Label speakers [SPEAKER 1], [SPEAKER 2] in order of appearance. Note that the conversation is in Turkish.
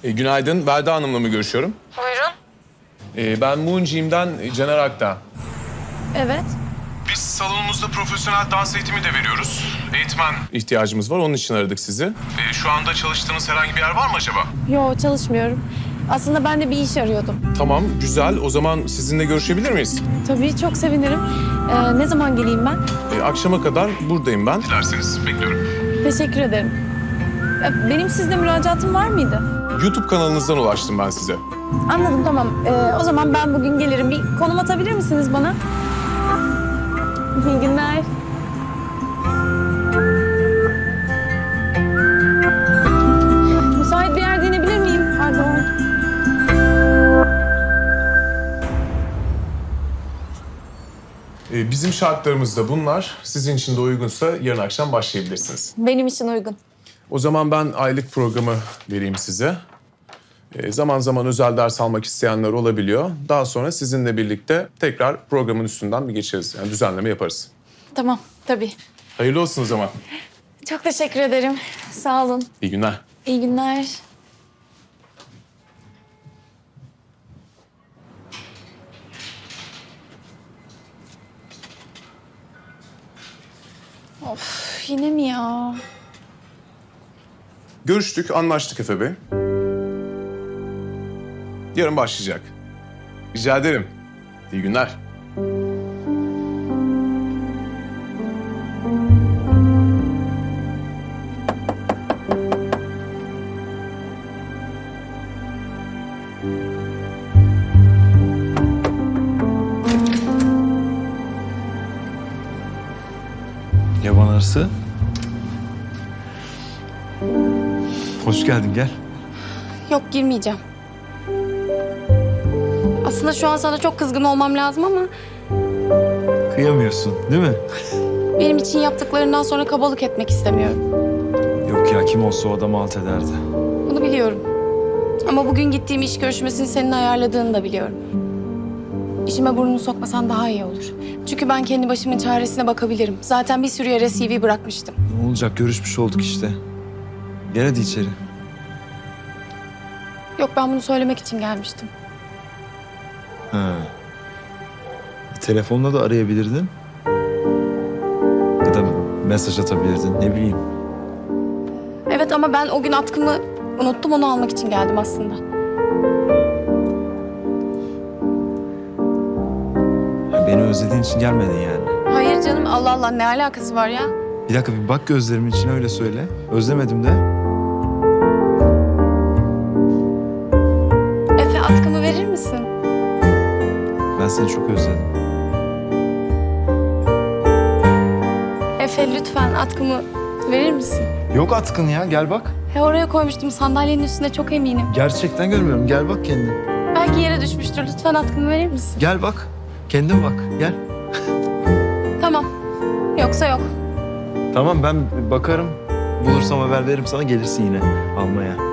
[SPEAKER 1] Günaydın, Belda Hanım'la mı görüşüyorum?
[SPEAKER 2] Buyurun.
[SPEAKER 1] Ben Moon Caner Akdağ.
[SPEAKER 2] Evet.
[SPEAKER 1] Biz salonumuzda profesyonel dans eğitimi de veriyoruz. Eğitmen ihtiyacımız var, onun için aradık sizi. Şu anda çalıştığınız herhangi bir yer var mı acaba?
[SPEAKER 2] Yo, çalışmıyorum. Aslında ben de bir iş arıyordum.
[SPEAKER 1] Tamam, güzel. O zaman sizinle görüşebilir miyiz?
[SPEAKER 2] Tabii, çok sevinirim. Ne zaman geleyim ben?
[SPEAKER 1] Akşama kadar buradayım ben. Dilerseniz bekliyorum.
[SPEAKER 2] Teşekkür ederim. Benim sizde müracaatım var mıydı?
[SPEAKER 1] YouTube kanalınızdan ulaştım ben size.
[SPEAKER 2] Anladım, tamam. O zaman ben bugün gelirim. Bir konum atabilir misiniz bana? İyi günler. Müsait bir yerde inebilir miyim? Pardon.
[SPEAKER 1] Bizim şartlarımız da bunlar. Sizin için de uygunsa yarın akşam başlayabilirsiniz.
[SPEAKER 2] Benim için uygun.
[SPEAKER 1] O zaman ben aylık programı vereyim size. Zaman zaman özel ders almak isteyenler olabiliyor. Daha sonra sizinle birlikte tekrar programın üstünden bir geçeriz. Yani düzenleme yaparız.
[SPEAKER 2] Tamam, tabii.
[SPEAKER 1] Hayırlı olsun o zaman.
[SPEAKER 2] Çok teşekkür ederim. Sağ olun.
[SPEAKER 1] İyi günler.
[SPEAKER 2] İyi günler. Of, yine mi ya?
[SPEAKER 1] Görüştük, anlaştık Efe Bey. Yarın başlayacak. Rica ederim. İyi günler.
[SPEAKER 3] Yaban arısı. Hoş geldin, gel.
[SPEAKER 4] Yok, girmeyeceğim. Aslında şu an sana çok kızgın olmam lazım ama
[SPEAKER 3] Kıyamıyorsun, değil mi?
[SPEAKER 4] benim için yaptıklarından sonra kabalık etmek istemiyorum.
[SPEAKER 3] Yok ya, kim olsa o adamı alt ederdi.
[SPEAKER 4] Bunu biliyorum. Ama bugün gittiğim iş görüşmesini senin ayarladığını da biliyorum. İşime burnunu sokmasan daha iyi olur. Çünkü ben kendi başımın çaresine bakabilirim. Zaten bir sürü yere CV bırakmıştım.
[SPEAKER 3] Ne olacak, görüşmüş olduk işte. Gel hadi içeri.
[SPEAKER 4] Yok, ben bunu söylemek için gelmiştim.
[SPEAKER 3] Ha. Telefonla da arayabilirdin. Ya da mesaj atabilirdin, ne bileyim.
[SPEAKER 4] Evet, ama ben o gün atkımı unuttum, onu almak için geldim aslında.
[SPEAKER 3] Ya beni özlediğin için gelmedin yani.
[SPEAKER 4] Hayır canım, Allah Allah, ne alakası var ya?
[SPEAKER 3] Bir dakika, bir bak gözlerimin içine, öyle söyle. Özlemedim de.
[SPEAKER 4] Efe, atkımı verir misin?
[SPEAKER 3] Ben seni çok özledim.
[SPEAKER 4] Efe, lütfen atkımı verir misin?
[SPEAKER 3] Yok atkın ya, gel bak.
[SPEAKER 4] Oraya koymuştum, sandalyenin üstünde, çok eminim.
[SPEAKER 3] Gerçekten görmüyorum, gel bak kendin.
[SPEAKER 4] Belki yere düşmüştür. Lütfen atkımı verir misin?
[SPEAKER 3] Gel bak, kendin bak, gel.
[SPEAKER 4] Tamam. Yoksa yok.
[SPEAKER 3] Tamam, ben bakarım. Bulursam haber veririm sana, gelirsin yine almaya.